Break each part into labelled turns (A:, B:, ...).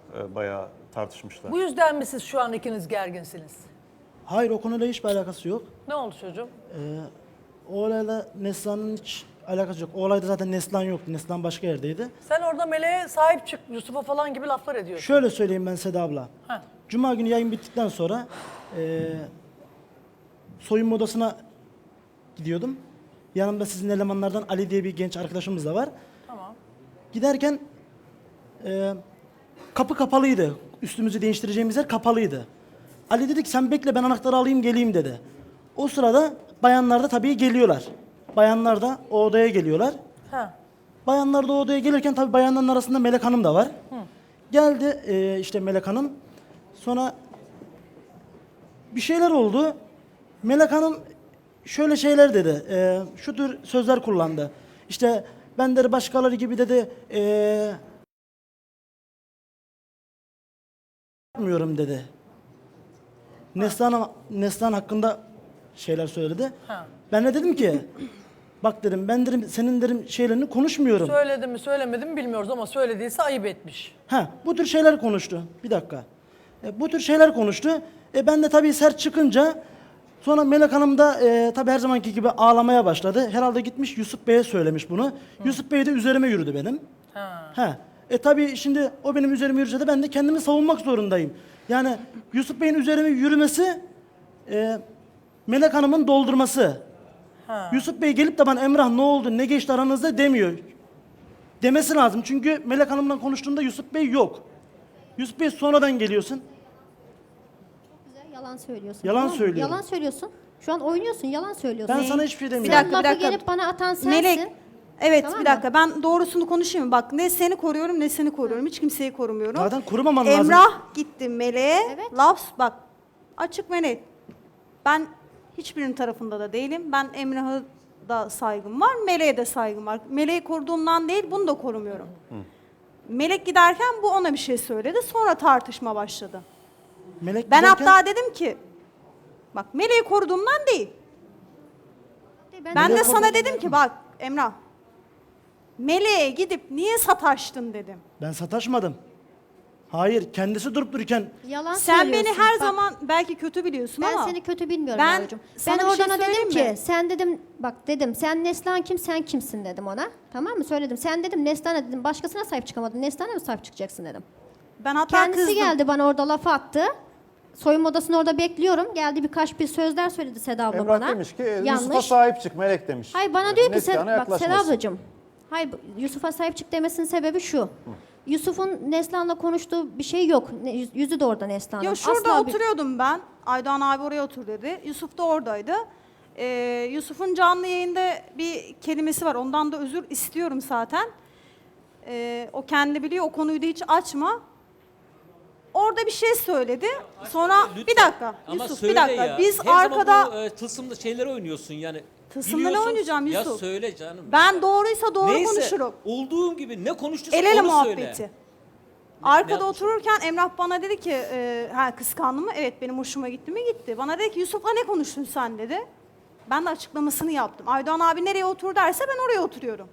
A: bayağı tartışmışlar.
B: Bu yüzden mi siz şu an ikiniz gerginsiniz?
C: Hayır, o konuyla hiçbir alakası yok.
B: Ne oldu çocuğum?
C: O olayla Neslihan'ın hiç alakası yok. O olayda zaten Neslihan yoktu. Neslihan başka yerdeydi.
B: Sen orada Meleğe sahip çık, Yusuf'a falan gibi laflar ediyorsun.
C: Şöyle söyleyeyim ben Seda abla.
B: Heh.
C: Cuma günü yayın bittikten sonra soyunma odasına gidiyordum. Yanımda sizin elemanlardan Ali diye bir genç arkadaşımız da var.
B: Tamam.
C: Giderken kapı kapalıydı. Üstümüzü değiştireceğimiz yer kapalıydı. Ali dedi ki sen bekle, ben anahtarı alayım geleyim dedi. O sırada bayanlar da tabii geliyorlar. Bayanlar da o odaya geliyorlar.
B: Ha.
C: Bayanlar da o odaya gelirken tabii bayanların arasında Melek Hanım da var. Geldi işte Melek Hanım. Sonra bir şeyler oldu. Melek Hanım şöyle şeyler dedi. Şu tür sözler kullandı. İşte ben de başkaları gibi dedi. Yapmıyorum dedi. Neslihan hakkında şeyler söyledi.
B: Ha.
C: Ben de dedim ki bak dedim, ben dedim senin dedim şeylerini konuşmuyorum.
B: Söyledi mi söylemedi mi bilmiyoruz ama söylediyse ayıp etmiş.
C: Bu tür şeyler konuştu. Bir dakika. Bu tür şeyler konuştu. Ben de tabii sert çıkınca sonra Melek Hanım da tabii her zamanki gibi ağlamaya başladı. Herhalde gitmiş Yusuf Bey'e söylemiş bunu. Yusuf Bey de üzerime yürüdü benim.
B: Ha.
C: Tabii şimdi o benim üzerime yürüse de ben de kendimi savunmak zorundayım. Yani Yusuf Bey'in üzerime yürümesi Melek Hanım'ın doldurması. Yusuf Bey gelip de bana Emrah ne oldu, ne geçti aranızda demiyor. Demesi lazım çünkü Melek Hanım'la konuştuğumda Yusuf Bey yok. Yusuf Bey sonradan geliyorsun.
D: Güzel, yalan söylüyorsun.
C: Yalan
D: tamam mı?
C: söylüyorum.
D: Yalan söylüyorsun. Şu an oynuyorsun, yalan söylüyorsun.
C: Ben sana hiçbir şey
D: Sen
C: demiyorum.
D: lafı
E: bir dakika.
D: gelip bana atan sensin.
E: Melek, evet
D: Tamam
E: bir
D: mı?
E: dakika ben doğrusunu konuşayım mı? Bak ne seni koruyorum ne seni koruyorum. Hiç kimseyi korumuyorum.
C: Zaten korumaman lazım.
E: Emrah gitti Meleğe.
D: Evet.
E: Laf bak açık ve net. Ben hiçbirinin tarafında da değilim. Ben Emrah'a da saygım var. Meleğe de saygım var. Meleği koruduğumdan değil bunu da korumuyorum. Melek giderken bu ona bir şey söyledi. Sonra tartışma başladı.
C: Melek
E: Ben
C: giderken-
E: hatta dedim ki bak Meleği koruduğumdan değil. Ben de sana dedim ki bak Emrah, Meleğe gidip niye sataştın dedim.
C: Ben sataşmadım. Hayır, kendisi durup dururken
D: Yalan
E: Sen beni
D: söylüyorsun.
E: her
D: Bak,
E: zaman belki kötü biliyorsun
D: ben
E: ama
D: seni kötü bilmiyorum
E: ben
D: yavrucuğum.
E: sana
D: Ben
E: bir şey
D: oradan dedim
E: söyleyeyim
D: ki
E: mi?
D: sen dedim bak dedim sen Neslihan kim sen kimsin dedim ona. Tamam mı söyledim. Sen dedim Neslihan'a dedim başkasına sahip çıkamadın. Neslihan'a mı sahip çıkacaksın dedim.
E: ben hatta
D: Kendisi
E: kızdım.
D: geldi bana orada laf attı. Soyunma odasında orada bekliyorum. Geldi birkaç bir sözler söyledi Seda abla
A: Emrah
D: bana.
A: demiş ki Yusuf'a sahip çık Melek demiş.
D: Hayır bana diyor ki
A: Neslihan'a
D: bak Seda
A: yaklaşmasın.
D: ablacığım. Hayır Yusuf'a sahip çık demesinin sebebi şu. Yusuf'un Neslihan'la konuştuğu bir şey yok. Yüzü de orada Neslihan'ın.
E: Ya şurada
D: Asla bir-
E: oturuyordum ben. Aydoğan abi oraya otur dedi. Yusuf da oradaydı. Yusuf'un canlı yayında bir kelimesi var. Ondan da özür istiyorum zaten. O kendi biliyor. O konuyu da hiç açma. Orada bir şey söyledi. Sonra
F: Lütfen.
E: bir dakika
F: Ama
E: Yusuf
F: söyle
E: bir dakika.
F: ya.
E: Biz
F: Her
E: arkada
F: zaman bu tılsımlı şeyleri oynuyorsun yani.
E: Tılsımlı ne
F: Biliyorsun-
E: oynayacağım
F: Ya
E: Yusuf?
F: söyle canım.
E: ben doğruysa doğru
F: Neyse,
E: konuşurum.
F: olduğum gibi ne konuştuysa
E: El ele
F: onu
E: muhabbeti.
F: söyle.
E: Arkada
F: yapmış?
E: otururken Emrah bana dedi ki, kıskandı mı? Evet benim hoşuma gitti mi? Gitti. Bana dedi ki Yusuf'la ne konuştun sen dedi. Ben de açıklamasını yaptım. Aydoğan abi nereye otur derse ben oraya oturuyorum.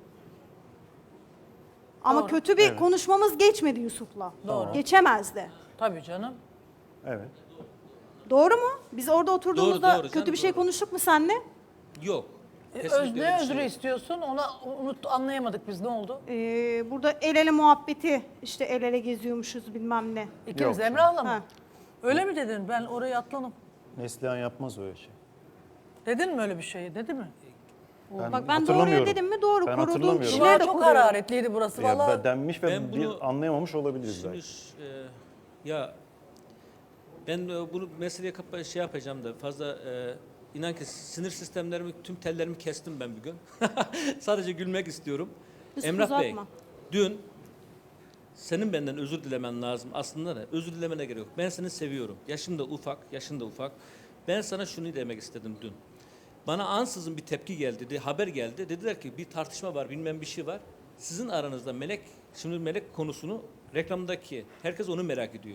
E: Ama
B: Doğru.
E: kötü bir konuşmamız geçmedi Yusuf'la.
B: Doğru.
E: Geçemezdi.
B: Tabii canım.
A: Evet.
E: Doğru mu? Biz orada oturduğumuzda
F: Doğru
E: kötü
F: canım,
E: bir şey
F: doğru.
E: konuştuk mu seninle?
F: Yok. Kesinlikle öyle
B: Ne
F: bir
B: özrü
F: şey yok.
B: istiyorsun? Ona anlayamadık biz ne oldu?
E: Burada el ele muhabbeti, işte el ele geziyormuşuz bilmem ne.
B: İkimiz
A: Yok.
B: Emrah'la mı?
E: Ha.
B: Öyle mi dedin? Ben orayı atladım.
A: Neslihan yapmaz öyle şey.
B: Dedin mi öyle bir şey? Dedi mi?
E: Bak ben doğruya
A: hatırlamıyorum.
E: dedim mi? Doğru.
A: Ben
E: Koruduğum
A: hatırlamıyorum.
E: kişileri
B: Kulağa
E: de
B: çok
E: koruyorum.
B: hararetliydi burası.
A: Ya
B: Vallahi
A: denmiş ve
F: Ben bunu-
A: anlayamamış olabiliriz
F: Şimdi,
A: belki.
F: ya ben bunu meseleye şey yapacağım da fazla inan ki sinir sistemlerimi tüm tellerimi kestim ben bir gün. Sadece gülmek istiyorum.
E: Yusuf,
F: Emrah Bey,
E: uzatma.
F: dün senin benden özür dilemen lazım. Aslında da özür dilemene gerek yok. Ben seni seviyorum. Yaşın da ufak. Ben sana şunu demek istedim dün. Bana ansızın bir tepki geldi, haber geldi. Dediler ki bir tartışma var, bilmem bir şey var. Sizin aranızda Melek, şimdi Melek konusunu reklamdaki herkes onu merak ediyor.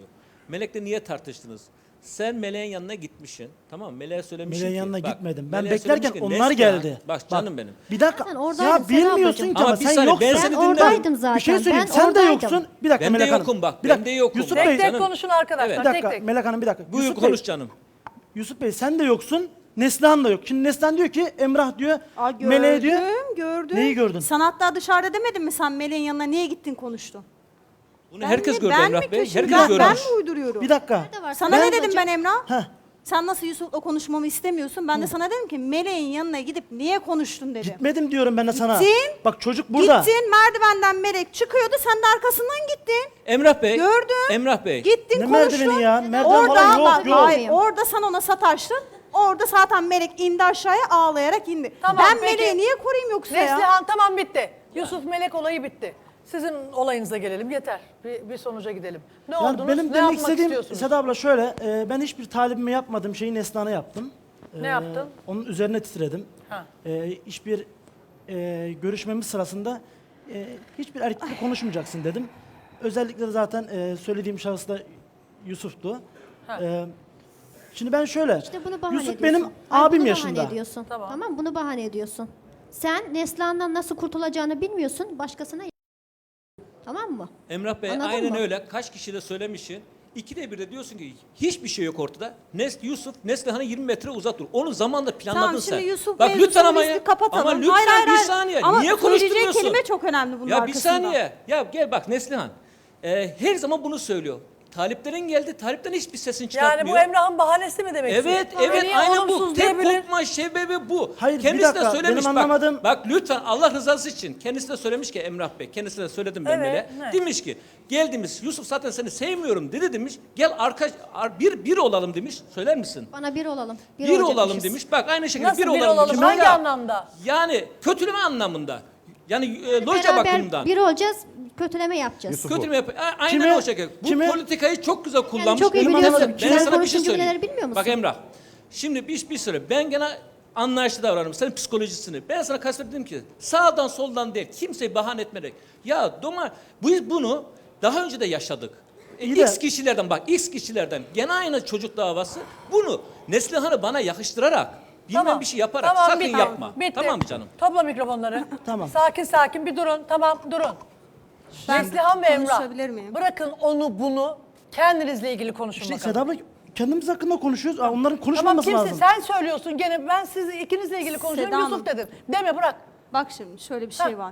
F: Melek'le niye tartıştınız? Sen Melek'in yanına gitmişsin. Tamam mı? Melek'e söylemişsin
C: Meleğin
F: ki.
C: yanına
F: bak,
C: gitmedim. Ben
F: Melek'e
C: beklerken
F: söylemiş ki,
C: onlar
F: Neslihan,
C: geldi.
F: Bak canım benim.
C: Bir dakika.
D: Zaten oradaydın
C: Ya
D: Seda
C: bilmiyorsun
D: ablacığım.
C: ki ama
F: Ama bir
C: sen
F: saniye,
C: yoksun.
F: ben
D: Ben
F: seni dinlerim.
D: oradaydım zaten.
C: Bir şey söyleyeyim.
D: Ben
C: Sen de
D: oradaydım.
C: yoksun. Bir dakika
F: Ben de
C: Melek Hanım.
F: yokum bak.
C: Bir
F: Ben
C: dakika.
F: de yokum.
C: Yusuf
B: Tek
C: Bey.
B: tek
F: Canım.
B: konuşun arkadaşlar.
C: Bir
B: Tek
C: dakika
B: tek.
C: Melek Hanım bir dakika.
F: Buyur
C: Yusuf
F: konuş
C: Bey,
F: canım.
C: Yusuf Bey sen de yoksun. Neslihan da yok. Şimdi Neslihan diyor ki Emrah diyor.
E: Aa,
C: Meleğe diyor.
E: Gördüm.
C: Neyi gördün?
E: Sen hatta dışarıda demedin mi sen Meleğin yanına niye gittin konuştun?
F: Bunu herkes gördü
E: ben
F: Emrah
E: mi
F: Bey.
E: kötüyüm?
F: Herkes
E: Ben
F: görmüş.
E: mi uyduruyorum?
C: Bir dakika.
D: Nerede var?
E: Sana
C: Ben-
E: ne dedim ben Emrah?
C: Heh.
E: Sen nasıl Yusuf'la konuşmamı istemiyorsun? Ben de sana dedim ki Meleğin yanına gidip niye konuştun dedim.
C: Gitmedim diyorum ben de sana.
E: Gittin.
C: Bak çocuk burada.
E: Gittin merdivenden Melek çıkıyordu sen de arkasından gittin.
F: Emrah Bey.
E: Gördüm.
F: Emrah Bey.
E: Gittin
C: Ne
E: konuştun.
C: merdiveni ya? Merdiven
E: Orada
C: falan yok,
E: bak,
C: yok.
E: hayır, orada sen ona sataştın. Orada zaten Melek indi aşağıya ağlayarak indi.
B: Tamam,
E: ben
B: peki.
E: Melek'i niye koruyayım yoksa ya?
B: Neslihan tamam bitti. Yusuf Melek olayı bitti. Sizin olayınıza gelelim yeter. Bir sonuca gidelim. Ne
C: Yani
B: oldunuz?
C: benim
B: ne
C: demek
B: yapmak
C: istediğim
B: istiyorsunuz?
C: Seda abla şöyle. Ben hiçbir talibime yapmadığım şeyi Neslihan'a yaptım.
B: Ne yaptın?
C: Onun üzerine titredim.
B: Ha.
C: Hiçbir görüşmemiz sırasında hiçbir erkekle konuşmayacaksın dedim. Özellikle de zaten söylediğim şahıs da Yusuf'tu. Şimdi ben şöyle.
D: İşte bunu bahane
C: Yusuf
D: ediyorsun.
C: benim
D: Hayır,
C: abim
D: bunu
C: yaşında.
D: Bahane ediyorsun. Tamam. Bunu bahane ediyorsun. Sen Neslihan'dan nasıl kurtulacağını bilmiyorsun. Başkasına tamam mı?
F: Emrah Bey
D: Anladın
F: aynen
D: mı?
F: öyle. Kaç kişi de söylemişsin. İkide bir de diyorsun ki hiçbir şey yok ortada. Yusuf Neslihan'a 20 metre uzak dur. Onu zamanla planladın
E: Tamam
F: sen.
E: şimdi Yusuf
F: Bak
E: mevzusunu
F: lütfen ama
E: biz bir kapatalım.
F: Ama lütfen
E: Hayır,
F: bir
E: hayır.
F: saniye.
E: Ama
F: Niye
E: söyleyeceği
F: konuşturmuyorsun?
E: kelime çok önemli bunun
F: Ya bir
E: arkasında.
F: saniye. Ya gel bak Neslihan. Her zaman bunu söylüyor. Taliplerin geldi. Talipten hiçbir sesini
B: Yani
F: çıkartmıyor.
B: bu Emrah'ın bahanesi mi demek
F: Evet,
B: istiyorsun?
F: evet
B: Niye
F: aynen bu.
B: olumsuz
F: Tek
B: diyebilir?
F: kopma sebebi bu.
C: Hayır, bir
F: kendisi de
C: dakika,
F: söylemiş
C: benim
F: bak.
C: anlamadığım-
F: Bak lütfen Allah rızası için. Kendisi de söylemiş ki Emrah Bey. Kendisine de söyledim ben
B: Evet,
F: böyle.
B: ne?
F: Demiş ki gel demiş Yusuf zaten seni sevmiyorum dedi demiş. Gel bir olalım demiş. Söyler misin?
D: Bana bir olalım.
F: Bir olalım
D: olacakmışız.
F: demiş. Bak aynı şekilde
B: Nasıl
F: bir
B: bir
F: olalım,
B: olalım?
F: demiş.
B: Hangi
F: Ya,
B: anlamda?
F: Yani kötüleme anlamında. Yani loca
D: Beraber
F: bakımından.
D: bir olacağız, kötüleme yapacağız.
A: Yusuf-
F: Kötüleme yap. Aynen
C: Kime-
F: o şekilde. Bu
C: kime-
F: politikayı çok güzel kullanmış.
D: çok iyi
F: Benim
D: biliyorsun.
F: anlamadığım-
D: Kime
F: Ben sana bir
D: konuştuğun
F: şey söyleyeyim.
D: cümleleri bilmiyor musun?
F: Bak Emrah. Şimdi bir süre ben gene anlayışlı davranırım. Senin psikolojisini. Ben sana kastettim ki sağdan soldan değil. Kimseyi bahane etmerek. Ya biz bunu daha önce de yaşadık.
C: İyi de-
F: X kişilerden gene aynı çocuk davası bunu Neslihan'ı bana yakıştırarak bilmem bir şey yaparak sakın
B: bitti.
F: yapma.
B: Bitti.
F: Tamam mı canım?
B: Topla mikrofonları.
C: Tamam.
B: Sakin bir durun. Tamam durun.
E: Ben
B: Neslihan ve Emrah.
E: konuşabilir miyim?
B: Bırakın onu bunu kendinizle ilgili konuşun
C: İşte
B: bakalım.
C: Seda abla kendimiz hakkında konuşuyoruz. Onların
B: Tamam
C: konuşmaması
B: kimse
C: lazım.
B: sen söylüyorsun gene ben siz ikinizle ilgili konuşuyorum
E: Seda
B: Yusuf
E: Hanım.
B: dedin. Deme bırak.
E: Bak şimdi şöyle bir şey var.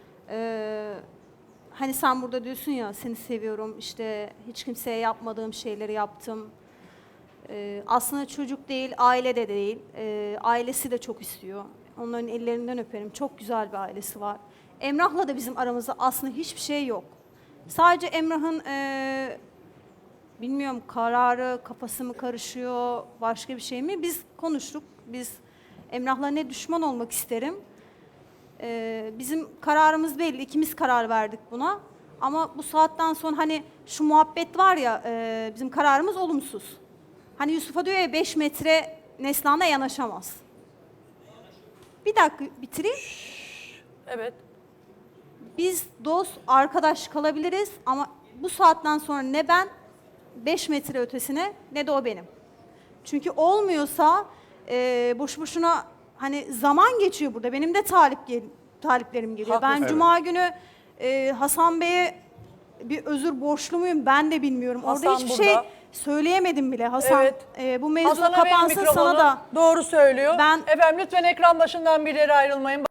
E: Hani sen burada diyorsun ya seni seviyorum işte hiç kimseye yapmadığım şeyleri yaptım. Aslında çocuk değil, aile de değil. Ailesi de çok istiyor. Onların ellerinden öperim. Çok güzel bir ailesi var. Emrah'la da bizim aramızda aslında hiçbir şey yok. Sadece Emrah'ın bilmiyorum kararı, kafası mı karışıyor, başka bir şey mi? Biz konuştuk. Biz Emrah'la ne düşman olmak isterim. Bizim kararımız belli. İkimiz karar verdik buna. Ama bu saatten sonra hani şu muhabbet var ya bizim kararımız olumsuz. Hani Yusuf'a diyor ya 5 metre Neslihan'a yanaşamaz. Bir dakika bitireyim.
B: Evet.
E: Biz dost, arkadaş kalabiliriz ama bu saatten sonra ne ben 5 metre ötesine ne de o benim. Çünkü olmuyorsa boş boşuna hani zaman geçiyor burada. Benim de taliplerim geliyor.
B: Haklısın.
E: Ben Cuma günü Hasan Bey'e bir özür borçlu muyum ben de bilmiyorum.
B: Hasan
E: Orada hiçbir
B: burada.
E: şey söyleyemedim bile Hasan.
B: Evet.
E: Bu mevzu
B: Hasan'a verin
E: kapansın
B: mikrofonu.
E: sana da.
B: Doğru söylüyor.
E: Ben-
B: Efendim lütfen ekran başından birileri ayrılmayın.